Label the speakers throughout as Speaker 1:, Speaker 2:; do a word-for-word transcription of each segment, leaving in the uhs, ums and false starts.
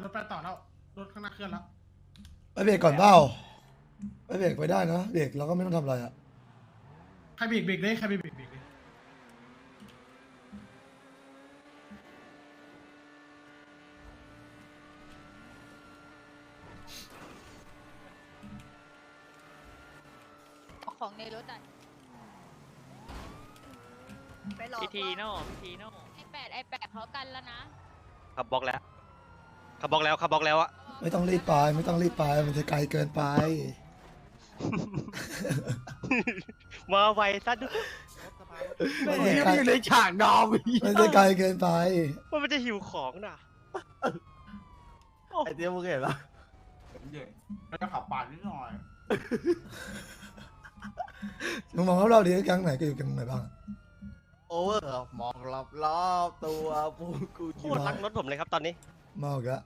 Speaker 1: ถไปต่อแล้วรถข้างหน้าเคลื่อนแล้ว
Speaker 2: ไปเบรกก่อนเปล่าไปเบรกไปได้นะเบรกเราก็ไม่ต้องทำอะไรอ่ะ
Speaker 1: ใครเบรกเบรกเลยใครเบรกเบรกเบรกเลย
Speaker 3: ของในรถอ่ะ
Speaker 4: ไปหลอก
Speaker 5: พีทีโน่พีทีโน่
Speaker 3: ไอแปดไอแปดเขากันแล้วนะ
Speaker 6: ขับบล็อกแล้วขับบล็อกแล้วขับบล็อกแล้วอะ
Speaker 2: ไม่ต้องรีบไปไม่ต้องรีบไปมันจะไกลเกินไป
Speaker 6: มาไวซะด้วย
Speaker 2: มันจะไกล
Speaker 7: อยู่ในฉากดอม
Speaker 2: มันจะไกลเกินไป
Speaker 6: ว่ามันจะหิวของน่ะ
Speaker 7: ไอเตี้ยมึงเห็นปะ
Speaker 1: เดี๋ยวเราจะขับปาดนิดหน่อย
Speaker 2: มึงมองรอบๆดิแก๊งไหนก็อยู่แก๊งไหนบ้าง
Speaker 7: โอเวอร์มองรอบรอบๆตัวพูกู
Speaker 6: โคตรรักรถผมเลยครับตอนนี้
Speaker 2: เมาอีกแล้ว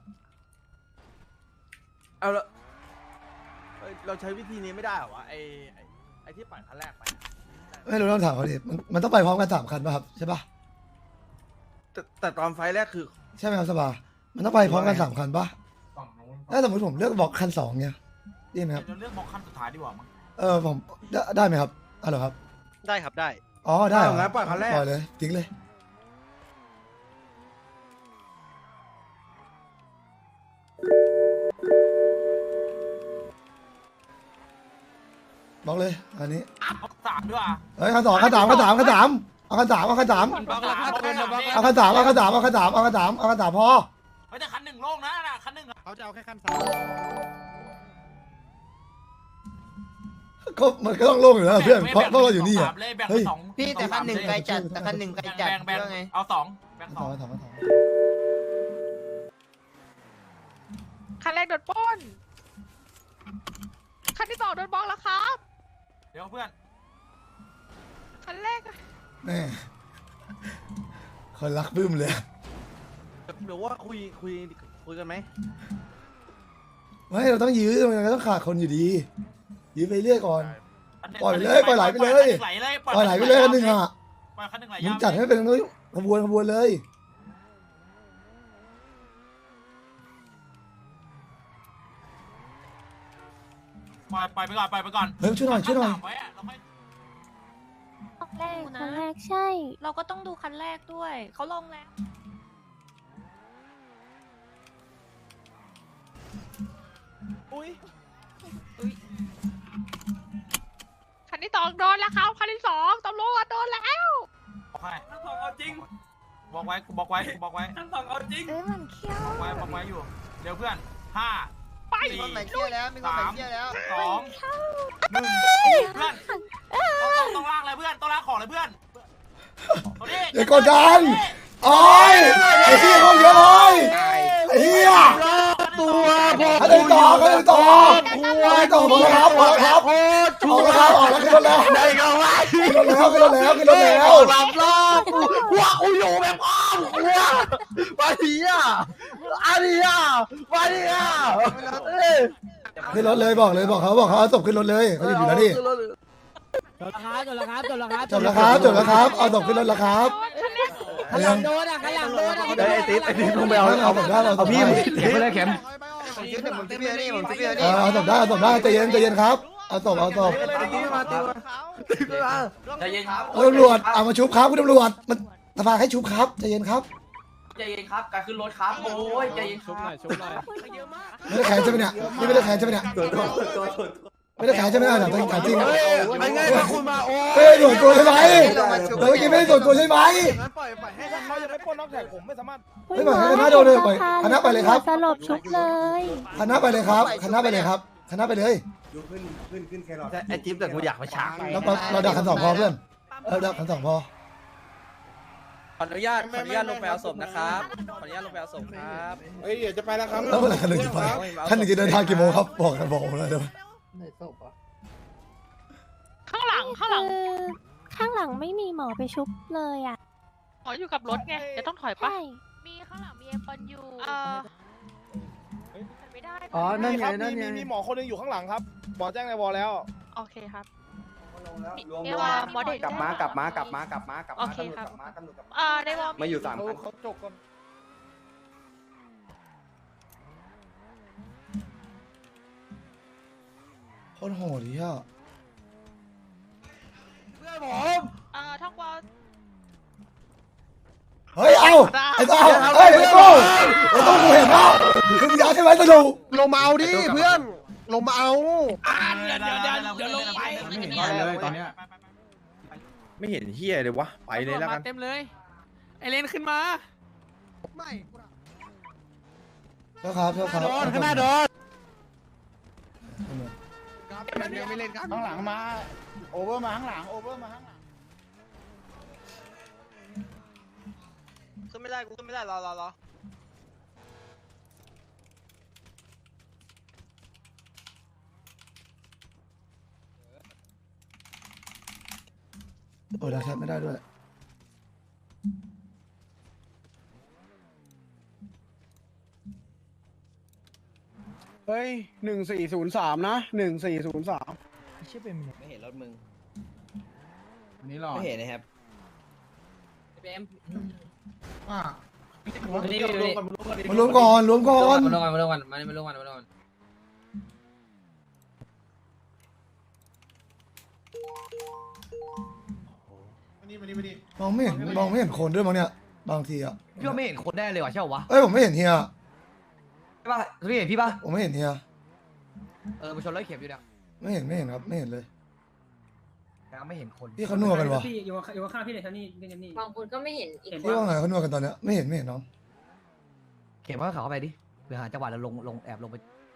Speaker 7: เอาละเอ้ยเราใช้วิธีนี้ไม่ได้เหรอวะไอไอ้ไอที่ปั่นคันแรกไปอะ
Speaker 2: ไม่รู้ต้องถามเขาดิมันมันต้องไปพร้อมกันสามคันป่ะครับใช่ป่ะ
Speaker 7: แต่แต่ตอนไฟล์แรกคือ
Speaker 2: ใช่ไหมครับสบามันต้องไปพร้อมกันสามคันป่ะ
Speaker 1: ฝั่งนู้น
Speaker 2: ถ้าสมมติผมเลือกบอกคันสองเนี่ยได้ไหมครับ
Speaker 1: เราเลือกบล็อกคันสุดท้ายดีกว่ามั้ง
Speaker 2: เออผมได้ได้ไหมครับอ๋อเหรอครับ
Speaker 6: ได้ครับได้
Speaker 2: อ๋อได้เหรอ
Speaker 7: เอางั้นปล่อยคันแรก
Speaker 2: ปล่อยเลยทิ้งเลยบอกเลยอันนี้
Speaker 1: สามดีกว่า
Speaker 2: เฮ้ยคันสองคันสามคันสามคันสามเอาคันสามเอาคันสาม
Speaker 1: บล็อกแล้วครับบล็อก
Speaker 2: เอาคันสามเอาคันสามเอาคันสามเอาคันสามเอาคันสามพอ
Speaker 1: เฮ้ยแต่คันหนึ่งโล่งนะน่ะคันหนึ่งอะ
Speaker 7: เขาจะเอาแค่ขั้นสาม
Speaker 2: ก็มันก็ต้องโล่งอยู่แล้วเพื่อนเพราะเพราะเราอยู่นี่อ่ะ
Speaker 1: เลยแบ่ง
Speaker 2: เฮ้ย
Speaker 1: สอง
Speaker 4: พี่แต่คันหนึ่งไกลจัดแต่คันหนึ่งไกลจัด
Speaker 1: แบ่งแบ่ง
Speaker 4: เพื่อไง
Speaker 1: เอาสองแบ่ง
Speaker 2: คัน
Speaker 1: ส
Speaker 2: ส
Speaker 1: อ
Speaker 2: อง งคันสองคันสอง
Speaker 8: คันแรกโดนปล้น คันที่สองโดนบล็อกแล้วครับ
Speaker 1: เดี๋ยวเพื่อน
Speaker 8: คันแรกอะ
Speaker 2: แน่คนรักบึ้มเลย
Speaker 7: หรือว่าคุยคุยคุยกันไหม
Speaker 2: ไม่เราต้องยื้อมันก็ต้องขาดคนอยู่ดี ยื้อไปเรื่อยก่อน
Speaker 1: อันหนึ่ง
Speaker 2: ปล่อยเลยปล่อยไหลไปเลย
Speaker 1: ไหลเลย
Speaker 2: ปล่อยไหลไปเลยคันหนึ่งอ่ะ
Speaker 1: ปล่อยคันหนึ่งไหล
Speaker 2: มึ
Speaker 1: ยาง ว
Speaker 2: จัดให้เป็นขบวนขบวนเลย
Speaker 1: ปล่อยปล่อยไปก่อนปล่อยไปก่อน
Speaker 2: เฮ้ยช่วยหน่อยช่วยหน่อย
Speaker 1: คันสามไว้อะเราค่อย
Speaker 9: คันแรกคันแรกใช่
Speaker 8: เราก็ต้องดูคันแรกด้วย เขาลงแล้ว
Speaker 7: อุ้ย
Speaker 8: คันที่สองโดนแล้วครับ คันที่สองตำรวจโดนแล้ว
Speaker 1: บอกให้คันสองเอาจริงบอกไว้กูบอกไว้กูบอกไว้คันสองเอาจริง
Speaker 9: เอ้ยมันเขี้ยว
Speaker 1: บอกไว้บอกไว้อยู่เดี๋ยวเพื่อนห้า
Speaker 8: ไป
Speaker 4: มีคนใหม่เที่ยวแล้วมีคนใหม่เที่ยวแล้ว
Speaker 1: สองหนึ่งเพื่อนต้องต้องลากเลยเพื่อนต้องลากของเลยเพื่อนเอาดิ
Speaker 2: เดี๋ยวกดดันโอ้ยไอ้เหี้ยคนเยอะเลยไอ้เหี้ย
Speaker 7: ตัวผม
Speaker 2: อะไรต่ออะไรต่ออะไรต่อหมดแล้วครับหมดแล้วครับ
Speaker 7: โคตรชั
Speaker 2: ออก
Speaker 7: ว
Speaker 2: แล้วครับออกแล้วขึ้นรถแล้ว
Speaker 7: ได้ก็ว่า
Speaker 2: ขึ้นรถแล้วขึ้นรถแล้วขึ้นรถแล้ว
Speaker 7: หลับรอบหัวกูอยู่แบบอ้อมหัวมาดีอ่ะอันนี้อ่ะมาดีอ่ะเอ้ย
Speaker 2: ขึ้นรถเลยบอกเลยบอกเขาบอกเขาเอาศพขึ้นรถเลยเขาอยู่แล้วนี่
Speaker 10: จบแล้วครับจบแล้วครับจบแล้วครับ
Speaker 2: จบแล้วครับจบแล้วครับเอาศพขึ้นรถแล้วครับ
Speaker 10: ข้างหลังโดนอ่ะข้างหลังโดนอ่ะ
Speaker 7: ไอ้ติ๊บไอ้ติ๊บลงไปเอา
Speaker 2: เอาศพได้เอาศพ
Speaker 7: พี่
Speaker 2: ได้
Speaker 7: เข็มเลยเข็ม
Speaker 4: ผมซื้อผมซื้อเบียร์นี่ผมซื้อเบียร์
Speaker 2: เอ
Speaker 4: นี่
Speaker 2: อเอาศพได้เอาศพได้ใจเย็นใจเย็นครับเอาศพเอาศพ
Speaker 7: ติ๊บมาติ๊บมาติ๊บมา
Speaker 1: ใจเย็นครับ
Speaker 2: เออตำรวจเอามาชุบครับคุณตำรวจมันสภาให้ชุบครับใจเย็นครับ
Speaker 1: ใจเย็นครับการขึ้นรถครับโอ้ยใจเย็นครับ
Speaker 2: ไม่ได้แขนใช่ไหมเนี่ยนี่ไม่ได้แขนใช่ไหมเนี่ยไม่ได้แขนใช่ไหมเนี่ยถามจริง
Speaker 7: เฮ้ยไอ้ไงคุณมาโอ้
Speaker 2: เฮ้ยส่วนตัวใช่ไหมเมื่อกี้ไม่ได้ส่วนตัวใช่ไหม
Speaker 7: งั้นปล่อยปล่อยให้เขาจะได้ปล้นนอกจากผมไม่สามารถ
Speaker 2: ไม่ปล่อยให้คณะโดนเลยปล่อยคณะไปเลยครับ
Speaker 9: สลบชุบเลย
Speaker 2: คณะไปเลยครับคณะไปเลยครับคณะไปเลย
Speaker 7: ไอ้จิ๊บแต่กูอยากไปช้า
Speaker 2: เราเราดักคันสองพอเพื่อนเราดักคันสองพอ
Speaker 5: ขออนุญาตขออนุญาตลงไปเอาศพนะครับขออนุญาตลงไปเอาศพครับ
Speaker 7: เฮ้ยเดี๋ยวจะไปแล้วครับ
Speaker 2: แล้วเมื่อไหร่คันหนึ่งจะไปคันหนึ่งจะเดินทางกี่โมงครับบอกกันบอกผมเลยเดี๋ยว
Speaker 8: ข้างหลังข้างหลัง
Speaker 9: คือข้างหลังไม่มีหมอไปชุบเลยอ่ะ
Speaker 8: อ๋ออยู่กับรถไงจะต้องถอยปะ
Speaker 9: ใช่
Speaker 3: มีข้างหลังมีเอฟอนอยู่
Speaker 8: เออไม่ได้
Speaker 10: อ๋อนั่นไงนั่นไง
Speaker 7: มีหมอคนนึงอยู่ข้างหลังครับหมอแจ้งในวอลแล้ว
Speaker 8: โอเคครับ
Speaker 3: เอวา
Speaker 8: หมอเด็ก
Speaker 4: กลับมากลับมากลับมากลับมากลับ
Speaker 8: โอ
Speaker 4: มา
Speaker 8: เคครับ
Speaker 4: ตำรวจกลับมาตำรวจกลับมา
Speaker 8: เอ่อในวอล
Speaker 4: มาอยู่สามคัน
Speaker 7: เขาจกกัน
Speaker 2: ตรโหดดิอ่ะ
Speaker 7: เพื่อนผม
Speaker 8: เอ่อท่องวอล
Speaker 2: เฮ้ยเอาไอ้ต้าเฮ้ยไอ้ตู้ไอ้ตู้กูเห็นเปล่าคือมึงอยากใช่ไหมสนุก
Speaker 7: ลงมาเอาดิเพื่อนลงมาเอา
Speaker 1: เดี๋ยวเดี๋ยวเดี๋ยวเดี๋ยวลงไป
Speaker 3: ไม่เห็นเลยตอนเนี้ย
Speaker 5: ไม่เห็นเฮียเลยวะไปเลยแล้วกัน
Speaker 10: เต็มเลยไอเลนขึ้นมา
Speaker 7: ไม่
Speaker 2: เจ้าครับเจ้าครับ
Speaker 7: โดนข้างหน้าโดน
Speaker 4: ยังไม่เล่นกัน
Speaker 10: ข้างหลังมาโอเวอร์มาข้างหลังโอเวอร์มาข้างหลัง
Speaker 4: ขึ้นไม่ได้กูขึ้นไม่ได้รอรอรอ
Speaker 2: โอ้ยเราแทบไม่ได้ด้วย
Speaker 10: เฮ้ยหนึ่งสี่ศูนย์สามนะหนึ่งสี่ศูนย์สาม
Speaker 4: ไม่เห็นรถมึง
Speaker 10: อันนี้หรอ
Speaker 4: ไม่เห็นนะครับ
Speaker 2: มารวมก่อนรวมก่อน
Speaker 10: มาลงกันมาลงกันมาลงกันมาลงกัน
Speaker 2: มองไม่เห็นมองไม่เห็นคนด้วยมั้งเนี่ยบางทีอ่ะ
Speaker 10: พี่ว่าไม่เห็นคนได้เลยว่ะใช่ปะ
Speaker 2: เอ้ยผมไม่เห็นเฮีย
Speaker 10: ใช่ปะพี่เห็นพี่ปะ
Speaker 2: ผมไม่เห็นเฮีย
Speaker 10: เออมาชนร้อยเข็มอยู่เนี่ย
Speaker 2: ไม่เห็นไม่เห็นครับไม่เห็นเลย
Speaker 10: ยังไม่เห็นคน
Speaker 2: พี่เขานัวกันวะ
Speaker 10: พี่อยู่อยู่ข้างพี่เลยท่านี่นี่นี่
Speaker 3: บางคนก็ไม่เห็นอีก
Speaker 2: พี่ว่าไงเขานัวกันตอนเนี้ยไม่เห็นไม่เห็นน้อง
Speaker 10: เข็มว่าเขาเข้าไปดิเดี๋ยวหาจังหวะแล้วลงลงแอบลงไป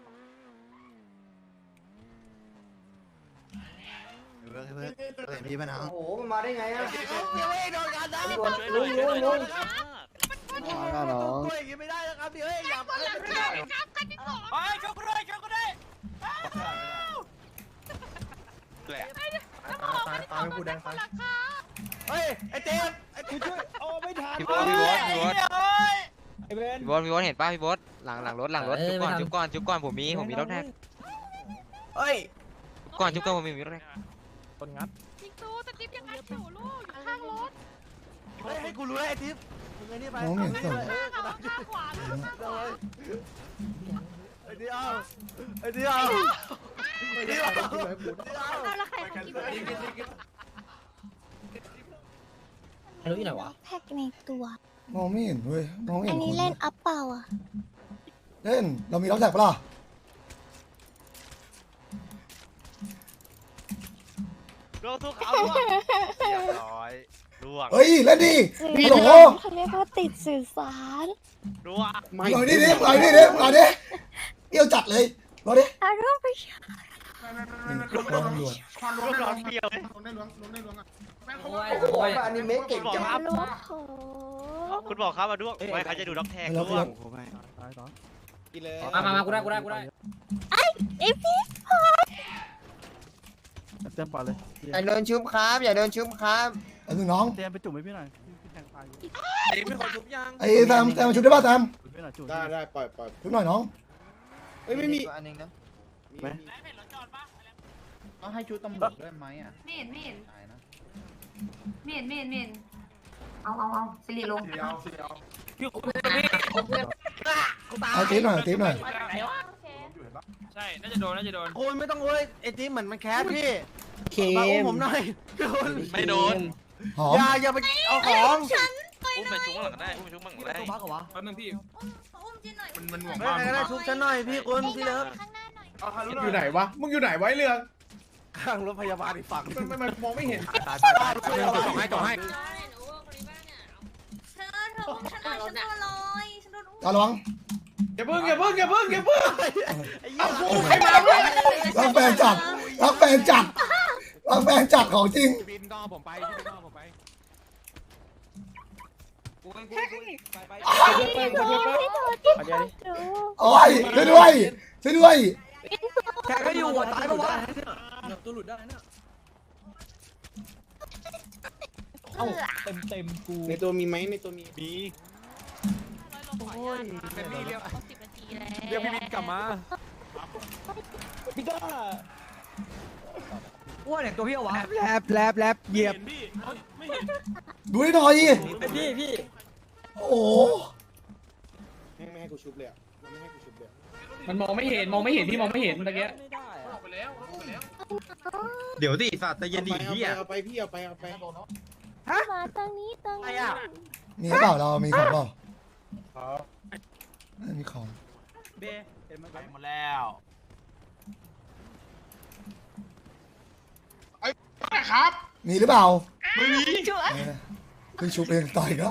Speaker 7: พี่มาหนาว
Speaker 4: โอ้โหมันมาได้ไงอ่ะ
Speaker 7: ลุงลุงลุง
Speaker 2: มาน้อง
Speaker 7: ตัวอย่างงี้ไม่ได้นะครับพี่เฮ้ยอย่า
Speaker 1: เฮ้ยช่วยกูด้วยช่วยกูด้วย
Speaker 7: ตายตายกูแดงตายเฮ้ยไอ้เจมไอ้กูช่วยโอ้ไม่ทัน
Speaker 6: พี่โบ๊ทพี่โบ๊ทพี่โบ๊ท
Speaker 10: ไอ้เบน
Speaker 6: พี่โบ๊ทพี่โบ๊ทเห็นป่ะพี่โบ๊ทหลังหลังรถหลังรถจุ๊บก่อนจุ๊บก่อนจุ๊บก่อนผมมีผมมีรถแท็ก
Speaker 7: เฮ้ย
Speaker 6: จุ๊บก่อนจุ๊บก่อนผมมีรถแท็ก
Speaker 7: คนงัด
Speaker 8: จิงตูสติ๊บยังไงอยู่ลูกอยู่ข้างรถ
Speaker 7: เฮ้ยให้กูรู้ไอ้ทิพย์มึงไอ้นี่ไป
Speaker 2: น้องไม่เห็นส่ง
Speaker 8: ข้างเอาข้างขวาลูกข้างขวา
Speaker 7: ไอ้เดียวไอ้เดียวไอ้เดียว
Speaker 3: เอาละใครของกินไป
Speaker 10: รู้ที่ไหนวะ
Speaker 9: แพ็กในตัว
Speaker 2: มองไม่เห็นเว้ยมองไม่
Speaker 9: อั
Speaker 2: เห็
Speaker 9: น
Speaker 2: นค
Speaker 9: นี้
Speaker 2: น
Speaker 9: เล่นอัพเปล่าอ่ะ
Speaker 2: เล่นเรามีล็อกแท็กปะล่ะ
Speaker 6: โดนทุกเขาเรียบร้อยล่วง
Speaker 2: เฮ้ยเล่นดิ
Speaker 9: สื่อ
Speaker 2: ฮัลโหล
Speaker 9: สารเขาเรียกว่าติดสื่อสาร
Speaker 6: ล่วง
Speaker 2: หน่อยดิดิหน่อยดิดิหน่อยดิเดี่ยวจัดเลยรอดิ
Speaker 9: เอารูปไปใช้
Speaker 2: ตำรวจ
Speaker 6: ล่วงร้อนเดียวเลย
Speaker 4: โอ้ยอนิเมะเก่งจัง
Speaker 9: รูปโห
Speaker 6: คุณบอกครับมาด้วงไม่เขาจะดูด็อกแท็ก
Speaker 2: แล้ว
Speaker 6: ล่วง
Speaker 7: กินเลย
Speaker 10: มามามากูได้กูได้กูได้
Speaker 9: ไอ้พี่
Speaker 7: เต็มปอดเลย
Speaker 4: อย่าโดนชุบครับอย่าโดนชุบครับ
Speaker 2: อันหนึ่งน้อง
Speaker 7: เตรียมไปจุ่มให้พี่หน่อยพี่แทงตายอยู่
Speaker 5: ไอ้ไม่คนทุบยัง
Speaker 2: ไอ้แซมแซมมาชุดได้ป่ะแซม
Speaker 7: จุ่มพี่หน่อยจุ่ม
Speaker 10: ได้ได้ปล่อยปล่อย
Speaker 2: ชุดหน่อยน้อง
Speaker 7: เฮ้ยไม่มี
Speaker 4: อันนึงนะ
Speaker 7: ไหม
Speaker 10: ต้องให้ชุดตำรวจด้วยไหมอ่ะ
Speaker 3: ไม่เห็นไม่เห็นไม่เห็นไม่เห็นไม่เห็นเอาเอาเอาสิริลง
Speaker 2: เอาตีหน่อยตีหน่อย
Speaker 1: ใช่น่าจะโดนน่าจะโดน
Speaker 7: คุณไม่ต้องเว้ยไอ้ทีเหมือนมันแคสพี่
Speaker 10: เค
Speaker 7: มาอุ้มผมหน่อยคุณ
Speaker 6: ไม่โดน
Speaker 2: หอม
Speaker 7: อย่าอย่าไปเอาของ
Speaker 6: อุ้มไปชุบหลังได้อุ้มไปชุบหลังได้
Speaker 10: ตัวพักเหรอวะ
Speaker 1: แป๊บนึงพี่
Speaker 3: อุ้มจินหน่อย
Speaker 1: มันมันห่วง
Speaker 7: ไม่ไม่ได้ชุบฉันหน่อยพี่คุณพี่เลิฟ
Speaker 3: ข้างหน้าหน่อย
Speaker 10: อยู่ไหนวะมึงอยู่ไหนไว้เรือง
Speaker 7: ข้างรถพยาบาลอีกฝั่ง
Speaker 10: มันมันมองไม่เห็น
Speaker 7: ตายตายตายต่อให้ต่อให้
Speaker 3: เธอเธออุ้มฉันหน่อยฉันโดนลอยฉันโดนอุ้ม
Speaker 2: เอาระวัง
Speaker 10: อย่าเพิ่งอย่าเพิ่งอย่าเพิ่งอย่าเพิ่ง
Speaker 7: เอากู
Speaker 10: ใครมาเพื่อน
Speaker 2: รักแฟนจัดรักแฟนจัดรักแฟนจัดของจริง
Speaker 10: บินต้องผมไปบินต้องผมไปกูกูกูไปไป
Speaker 9: ไม่โดนไม่โดนที่เขาดู
Speaker 2: โอ้ยช่วยด้วยช่วยด้วย
Speaker 10: แค่ก็อยู่หัวตายปะวะตัวหลุดได้เนี่ย
Speaker 9: เต็มเต็มกู
Speaker 10: ในตัวมีไหมในตัวมี
Speaker 5: มี
Speaker 8: โอ้ยเป็นนี่เรียกสิบนาทีแล้ว
Speaker 5: เรียกพี่บินกลับมา
Speaker 10: พี่ก้าอ้วนอย่างตัวพี่เอาวะแลบแลบแลบเหยียบ
Speaker 1: พี่ไม่เห็น
Speaker 2: ดูให้หน่อย
Speaker 10: พี่พี่
Speaker 2: โอ้โห
Speaker 10: ไม่ให้กูชุบเลยมันไม่ให้กูชุบเลยมันมองไม่เห็นมองไม่เห็นพี่มองไม่เห็นเมื่อกี้
Speaker 1: ออกไปแล้วออกไปแล้ว
Speaker 7: เดี๋ยวดิสัตว์ใจเย็นดิเฮีย
Speaker 10: เอาไปพี่เอาไปเอาไป
Speaker 9: มาตรงนี้ตรงนี้
Speaker 2: มีเปล่าเรามีของเปล่าไม่มีของ
Speaker 5: เบเห็นมัน
Speaker 1: ไปหมดแล้ว
Speaker 10: ครับ
Speaker 2: มีหรือเปล่า
Speaker 1: ไม่มี
Speaker 2: เออเพิ่งชุบเองต่อยก็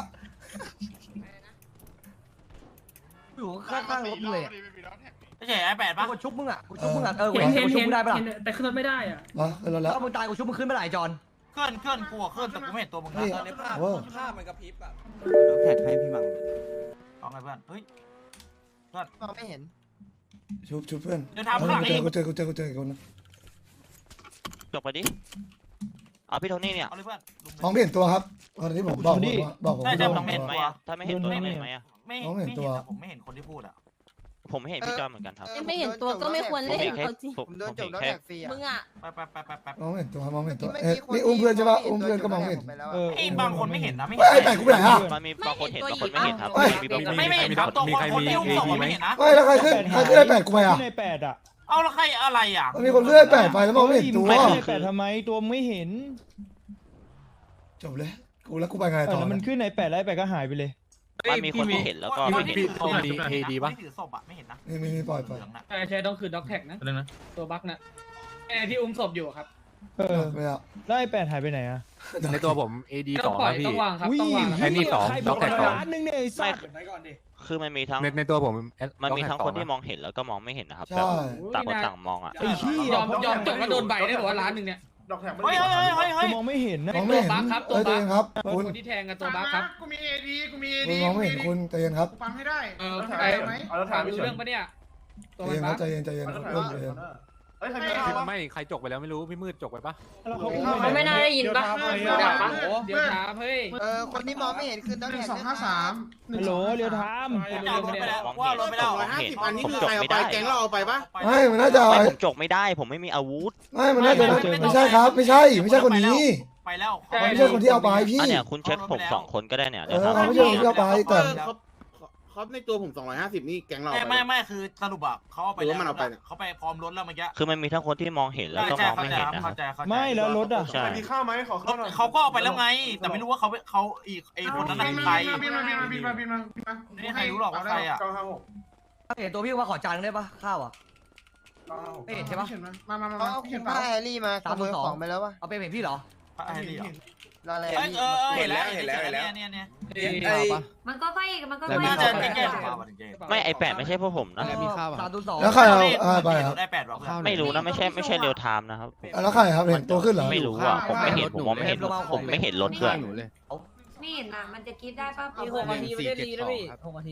Speaker 4: อยู่ข้างๆรถเลย
Speaker 1: ไม่ใช่ไอ้แปดปะ
Speaker 4: กูชุบมึงอ่ะกูชุบมึงอ่ะเออกู
Speaker 11: เห็นเห็น
Speaker 4: ชุบ
Speaker 11: เห็น
Speaker 4: มึงได้ปะล่ะ
Speaker 11: แต่ขึ้นรถไม่ได้อ่ะ
Speaker 2: มาขึ้นรถแล้ว
Speaker 4: ถ้ามึงตายกูชุบมึงขึ้นไม่ได้จอน
Speaker 1: เคลื่อนเคลื่อนกูอะเคลื่อนแต่กูไม่เห็นตัวมึงนะ
Speaker 2: นี่
Speaker 5: ตอนในภาพ
Speaker 2: โอ้
Speaker 5: ภาพมันกระพริบอ่ะ
Speaker 7: แท็กให้พี่มัง
Speaker 1: เอาไงเพื่อนเฮ้ย
Speaker 4: ไม่เห็น
Speaker 2: ชุบชุบเพื่อน
Speaker 1: เดินทางข้างหลัง
Speaker 2: เจ
Speaker 1: อี
Speaker 2: อก กูเจอกูเจอกูเจออีกคนนึง
Speaker 6: จบไปดิเอาพี่โทนี่เนี่ย
Speaker 1: เอาเลยเพื่อนลุม
Speaker 2: มองไม่เห็นตัวครับตอนที่ผมบอกผมว่าบอกผม
Speaker 1: ได้
Speaker 2: ไม่
Speaker 1: ได้
Speaker 2: รู้
Speaker 1: มองไม่เห็น
Speaker 6: ไหม
Speaker 1: ตัว
Speaker 6: อะถ้าไม่เห็นตัวเห็นไหมอะ
Speaker 1: ไม่
Speaker 2: มองไม่
Speaker 1: ไม่
Speaker 2: เห็
Speaker 1: เห็
Speaker 2: น
Speaker 1: น
Speaker 2: ตัว
Speaker 1: อะผมไม่เห็นคนที่พูดอะ
Speaker 6: ผมไม่เห็นพี่จอยเหมือนกันครับ
Speaker 9: ไม่เห็นตัวก็ไม่ควร
Speaker 6: ผม
Speaker 9: เล่น
Speaker 6: เห็นแค่
Speaker 9: เอาจริง
Speaker 6: ผมผมเห็นแค่
Speaker 9: มึงอ่ะ
Speaker 1: ไปไปไปไปไป
Speaker 2: มองไม่เห็นตัวมองไม่เห็นตัวเอ๊ะนี่อุ้มเพื่อนใช่ปะอุ้มเพื่อนก็มองไม่เห็น
Speaker 1: ไอ้บางคนไม่เห็นนะไม่
Speaker 2: เฮ้ย
Speaker 1: เห็น
Speaker 2: ไอ้แปดกูไปไหนอ่ะ
Speaker 6: มันมีบางคนเห็นบางคนไม่เห็นครับ
Speaker 2: เฮ้ย
Speaker 6: มีบางคน
Speaker 1: ไม่ไม่เห็นครับตัวคนคนที่อุ้มศพอะไม่เห็นนะ
Speaker 2: เฮ้ยแล้วใครขึ้นใครขึ้นไอ้แปดกูไปอ่ะ
Speaker 10: ในแปดอ่ะ
Speaker 1: เอาแล้วใครอะไรอ่ะ
Speaker 2: มันมีคนขึ้นไอ้แปดไปแล้วมองไม่เห็นตัว
Speaker 10: ไม่ในแปดทำไมตัวไม่เห็น
Speaker 2: จบเลยกูแล้วกูไปไงต่อ
Speaker 10: แล้วมันขึ้นในแปดแล้วแปดก็หายไปเลย
Speaker 6: มันมีคนที่เห็นแล้วก็
Speaker 1: ค
Speaker 6: ไม่
Speaker 1: น
Speaker 6: เห็น
Speaker 1: ที่ถือศพอะคนที่ถือศพอะไม่เห็นนะ
Speaker 2: นี่มีมีปล่อยปล่อย
Speaker 1: เหลืองน่ะ
Speaker 11: ใช่ใช่ต้องคือด็อกแท็กนะ
Speaker 7: อะไรนะ
Speaker 11: ตัวบั๊กนะไอ้ที่อุ้มศพอยู่ครับ
Speaker 10: เออ
Speaker 2: ไม่เอา
Speaker 10: แล้วไอ้แปดหายไปไหนอ่ะ
Speaker 7: ในตัวผม เอ ดี ส
Speaker 11: ต้
Speaker 7: อ
Speaker 11: อง
Speaker 7: ง
Speaker 11: ปล่อย
Speaker 7: พี่
Speaker 11: ต้องวางครับ
Speaker 10: อุ้ย
Speaker 11: ต้องวาง
Speaker 7: ไอ้นี่สอง
Speaker 10: ใคร
Speaker 7: ด็อกแท็กสอง
Speaker 10: ร้านหนึงเนี่ยไอ้สั
Speaker 6: ไม่
Speaker 10: ตว์
Speaker 6: คือมันมีทั้ง
Speaker 7: ในในตัวผม
Speaker 6: มันมีทั้งคนที่มองเห็นแล้วก็มองไม่เห็นนะครับแบ
Speaker 2: ใช่
Speaker 6: บต่างคนต่างมองอ่ะ
Speaker 10: ไอ้เหี้ย
Speaker 11: ยอมยอมจบก็โดนใบได้บอกว่าร้านหนึ่งเนี่ย
Speaker 1: เฮ้ยเฮ้ยเฮ้ยเฮ้ย
Speaker 10: กู
Speaker 1: เฮ้ย
Speaker 10: มองไม่เห็นนะ
Speaker 2: มองไม่เห็นเอ้ยใจเย็นครับคุณ
Speaker 11: คนที่แทงกันตัวบั๊กครับ
Speaker 1: กูมีเอดีกูมีเอ
Speaker 2: คุณ
Speaker 1: ดี
Speaker 2: มองไม่เห็นคุณใจเย็นครับ
Speaker 1: ฟังให้ได้
Speaker 11: เออไอ้ถามรู้เรื่องปะเนี่ย
Speaker 2: ใจ
Speaker 11: ตัวมัน
Speaker 2: เย็นค
Speaker 11: บั๊
Speaker 2: รับ
Speaker 11: ก
Speaker 2: ใจเย็นใจเย็นเริ่มใจเย็น
Speaker 1: เฮ้ยใครไม่เอา
Speaker 7: ไม่ใครจกไปแล้วไม่รู้ พี่มืดจกไปปะ
Speaker 10: แล้วเขา
Speaker 11: เขาไม่น่าได้ยินปะ
Speaker 1: เดี๋
Speaker 11: เดี๋
Speaker 1: ย
Speaker 11: ยว ว
Speaker 1: ถา
Speaker 11: ถาม มโอ้เดี๋ยวถามเฮ้ย
Speaker 4: เออคนที่มองไม่เห็นคือต้อง
Speaker 1: หนึ่
Speaker 4: เห็
Speaker 1: ง
Speaker 4: น
Speaker 1: สองห้าสาม
Speaker 10: ฮัลโหลเรียวไทม์
Speaker 1: จะเอารถไปแล้ว
Speaker 6: มอง
Speaker 1: ว่า
Speaker 6: เห็น
Speaker 1: รถไปแล้ว
Speaker 6: ผมเห็นผมจกไม่ได้
Speaker 2: ไม่มันน่าจะ
Speaker 6: ไม่ผมจกไม่ได้ ผมไม่มีอาวุธ
Speaker 2: ไม่มันน่าจะไม่ใช่ครับ ไม่ใช่ ไม่ใช่คนนี้
Speaker 1: ไปแล้ว
Speaker 2: ไม่ใช่คนที่เอาไปพี่
Speaker 6: อันเนี้ยคุณเช็คผมสองคนก็ได้เนี่ย
Speaker 2: เอ
Speaker 6: เดี๋ยว
Speaker 2: อ
Speaker 6: ถาม
Speaker 2: เขาไม่ใช่คนที่เอาไปแต่
Speaker 10: เขาในตัวผมสองร้อยห้าสิบนี่แกงเรา
Speaker 1: ไม่ไม่ไม่คือสรุปอ่ะเขาเอาไปแล้วเขาไปพร้อมรถแล้วเมื่อกี้
Speaker 6: คือมันมีทั้งคนที่มองเห็นแล้วก็มองไม่เห็นนะครับ
Speaker 1: เข้าใจเข้าใจ
Speaker 10: ไม่แล้วรถอ่ะ
Speaker 6: ใช่
Speaker 1: มีข้าวไหมขอข้าวหน่อยเขาก็เอาไปแล้วไง แต่ไม่รู้ว่าเขาเขาอีกไอ้คนนั้นเป็นใครบินมาบินมาบินมาบินมาบินมาไม่ใครรู้หรอกว่าใครอ่ะ
Speaker 4: เห็นตัวพี่ว่าขอจานได้ปะข้าวอ่ะไม่เห็นใช่ปะ
Speaker 1: มามามา
Speaker 4: เอาคุณป้าแฮร์รี่มาขโมยของไปแล้วปะเอาไปเห็นพี่เหรอ
Speaker 1: ไอ้นี่
Speaker 4: รออะไร
Speaker 1: เออเห็นแล้วเห็นแล้วเห็นแล้วเนี่ยเนี่ย
Speaker 3: มันก็ค่อยมันก็
Speaker 1: แล้ว
Speaker 3: ค่
Speaker 1: มี
Speaker 3: อย
Speaker 1: จะแก้
Speaker 6: ไม่ไอแปดไม่ใช่พวกผมนะ
Speaker 4: สามตัวสอง
Speaker 2: แล้วใครเอาเอาไปครับ
Speaker 1: ได้แปดหรอ
Speaker 6: ไม่รู้นะไม่ใช่ไม่ใช่เรียวไทม์นะครับ
Speaker 2: แล้วใครครับเห็นตัวขึ้นเหรอ
Speaker 6: ไม่รู้อ่ะผมไม่เห็นผมมองไม่เห็นผมไม่เห็นรถด้วย
Speaker 3: ไม่เห็นนะมันจะคิดได้ป่ะ
Speaker 11: มีหกนาทีไม่ได้ดีนะพี่หกนาที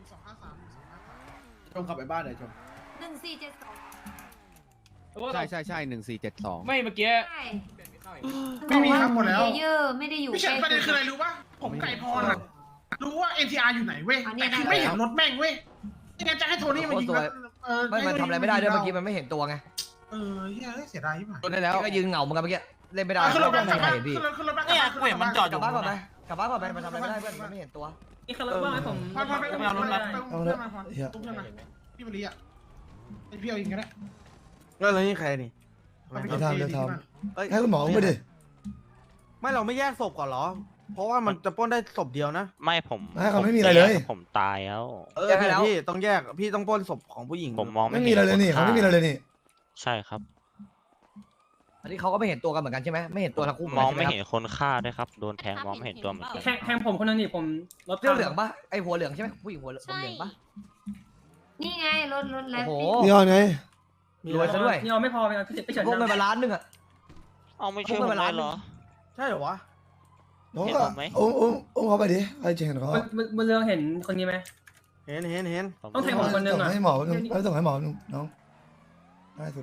Speaker 10: ชมกลับไปบ้านหน่อยชม
Speaker 3: หนึ่งสี่เจ็ดสอง
Speaker 7: ใช่ใช่ใช่หนึ่งสี่เจ็ดสอง
Speaker 11: ไม่เมื่อกี้
Speaker 3: ใช่
Speaker 1: ไม่มีครับหมดแล้ว
Speaker 3: เยอะไม่ได้อยู่
Speaker 1: ไม่ใช่ประเด็นคืออะไรรู้ป่ะผมไก่พรอ่ะรู้ว่า เอ็น ที อาร์ อยู่ไหนเว้ยแต่คือไม่เห็นรถแม่งเว้ยไม่งั้นจะให้โทนี่มายิงเออ
Speaker 4: ไม่มันทำอะไรไม่ได้ด้วยเมื่อกี้มันไม่เห็นตัวไง
Speaker 1: เออเฮ้ยเสียดายที่ผ่าน
Speaker 4: ตัวได้แล้วก็ยืนเหงาเหมือนกันเมื่อกี้เล่นไม่ได้
Speaker 1: ขึ้นรถ
Speaker 4: ไม่
Speaker 1: บ้าน
Speaker 4: มีใครเห็นพี่
Speaker 1: ขึ้นรถขึ้นรถบ้านเนี่ยกูเห็นมันจอดอก
Speaker 4: ลั
Speaker 1: ยู่
Speaker 4: บบ้านก่อนไหมกลับบ้านก่อนไหมมันทำอะไรไม่ได้เพื่อนมันไม่เห็นตัว
Speaker 11: นี่คือรถบ้างให้ผม
Speaker 1: พอพอไปเอารถมา
Speaker 2: เอา
Speaker 1: เอา
Speaker 2: เล
Speaker 1: ร
Speaker 2: ย
Speaker 1: ถมาพอ
Speaker 2: เฮีย
Speaker 1: ตุ้มขึ้นมาพี่บริอ่ะไอพี่เอายิงก็ได้
Speaker 10: แล้วนี่ใครนี่
Speaker 2: เดี๋ยวทำเดี๋ยวทำให้คุณหมออุ้มไปดิ
Speaker 10: ไม่เราไม่แยกศพก่อนเหรอ เพราะว่ามันจะปล้นได้ศพเดียวนะ
Speaker 6: ไม่ผม
Speaker 2: ให้เขาไม่มีอะไรเลย
Speaker 6: ผมตายแล้ว
Speaker 10: เออพี่ต้องแยกพี่ต้องปล้นศพของผู้หญิง
Speaker 6: ผมมอง
Speaker 2: ไม่
Speaker 6: ไม่
Speaker 2: มี
Speaker 6: เห็น
Speaker 2: อะไรเลยนี่เขาไม่มีอะไรเลยนี่
Speaker 6: ใช่ครับ
Speaker 4: อันนี้เขาก็ไม่เห็นตัวกันเหมือนกันใช่ไหมไม่เห็นตัวทั้งคู่
Speaker 6: มองไม่เห็นคนฆ่าด้วยครับโดนแทงมองไม่เห็นตัวเหมือนกัน
Speaker 11: แทงแทงผมคนนึงนี่ผมรถ
Speaker 4: เสื้อเหลืองปะไอหัวเหลืองใช่ไหมผู้หญิงหัวเหลืองปะ
Speaker 3: นี่ไงรถรถแล้ว
Speaker 4: โอ้โห
Speaker 2: นี่เอาไง
Speaker 4: รวยซะด้วย
Speaker 11: นี่เอาไม่พอไปเอาพี่ไปเฉิน
Speaker 4: พวกเงินมาล้านนึงอะ
Speaker 6: เอาไม่ช่วยผมเลยเหรอ
Speaker 10: ใช่เหรอวะ
Speaker 2: น้องก็อุ้มอุ้มอุ้มเขาไปดิใครจะเห็นเขา
Speaker 11: มันเรื่องเห็นคนนี้ไหม
Speaker 10: เห็นเห็นเห็น
Speaker 11: ต้องแทงผมคนนึง
Speaker 2: ส่ง
Speaker 11: อ่ะ
Speaker 2: ให้หมอนึงแล้วส่งให้หมอนึงน้องง่ายสุด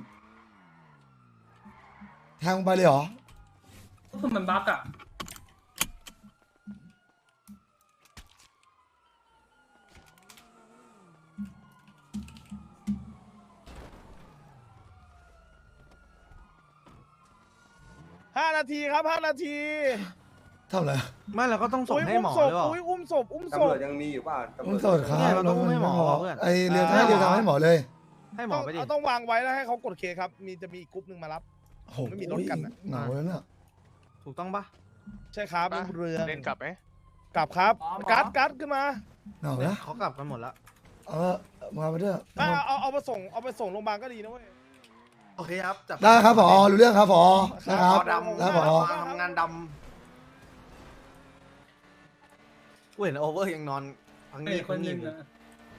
Speaker 2: แทงไปเลยเหรอ
Speaker 11: ก็คือมันบั๊กอ่ะ
Speaker 10: ห้านาทีครับห้านาที
Speaker 2: ทำอะไร
Speaker 10: ไม่เราก็ต้องส่งให้หมอหรือเปล่าอุ้มศพอุ้มศพ
Speaker 2: อุ้มสดครับ
Speaker 10: เราต้องอุ้มให้หมอเพื่อน
Speaker 2: ไอเรียนให้เรียนทำให้หมอเลย
Speaker 10: ให้หมอไปดิต้องวางไว้แล้วให้เขากดเคครับมีจะมีกรุ๊ปหนึ่งมารับ
Speaker 2: โอ้โห
Speaker 7: ไม่มีรถกันอะ
Speaker 2: เหงาแล้วน่ะ
Speaker 7: ถูกต้องปะใช่ครับลุงเรือง
Speaker 6: เล่นกลับไหม
Speaker 7: กลับครับกัดกัดขึ้นมา
Speaker 2: เหงาแล้ว
Speaker 7: เขากลับกันหมดแล้ว
Speaker 2: เออมาไปด้วย
Speaker 7: เอาเอาเอามาส่งเอาไปส่งโรงพยาบาลก็ดีนะเว้ย
Speaker 10: โอเคครับจับ
Speaker 2: ได้ครับผอรู้เรื่องครับผอนะครับ
Speaker 7: ดำ
Speaker 2: แล้วผอ
Speaker 7: ทำงานดำกูเห็นโอเวอร์ยังนอนพัง
Speaker 11: เห็
Speaker 7: นี่
Speaker 11: นค
Speaker 7: พั
Speaker 11: น
Speaker 7: ง
Speaker 11: ห
Speaker 7: นี่
Speaker 11: นึ่งอะ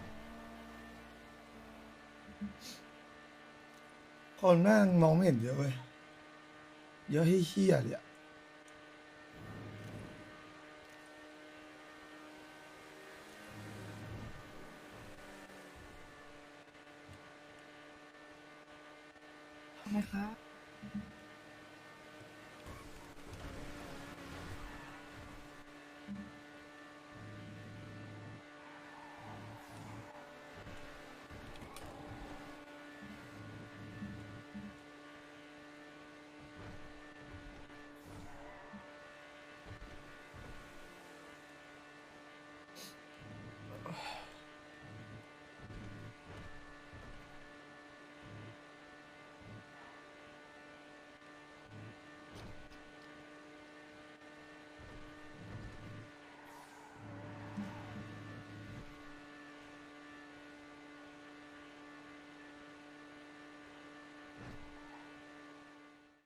Speaker 2: คนแม่งมองไม่เห็นเยอะเว้ยเยอะให้เฮี้ยเลยอะ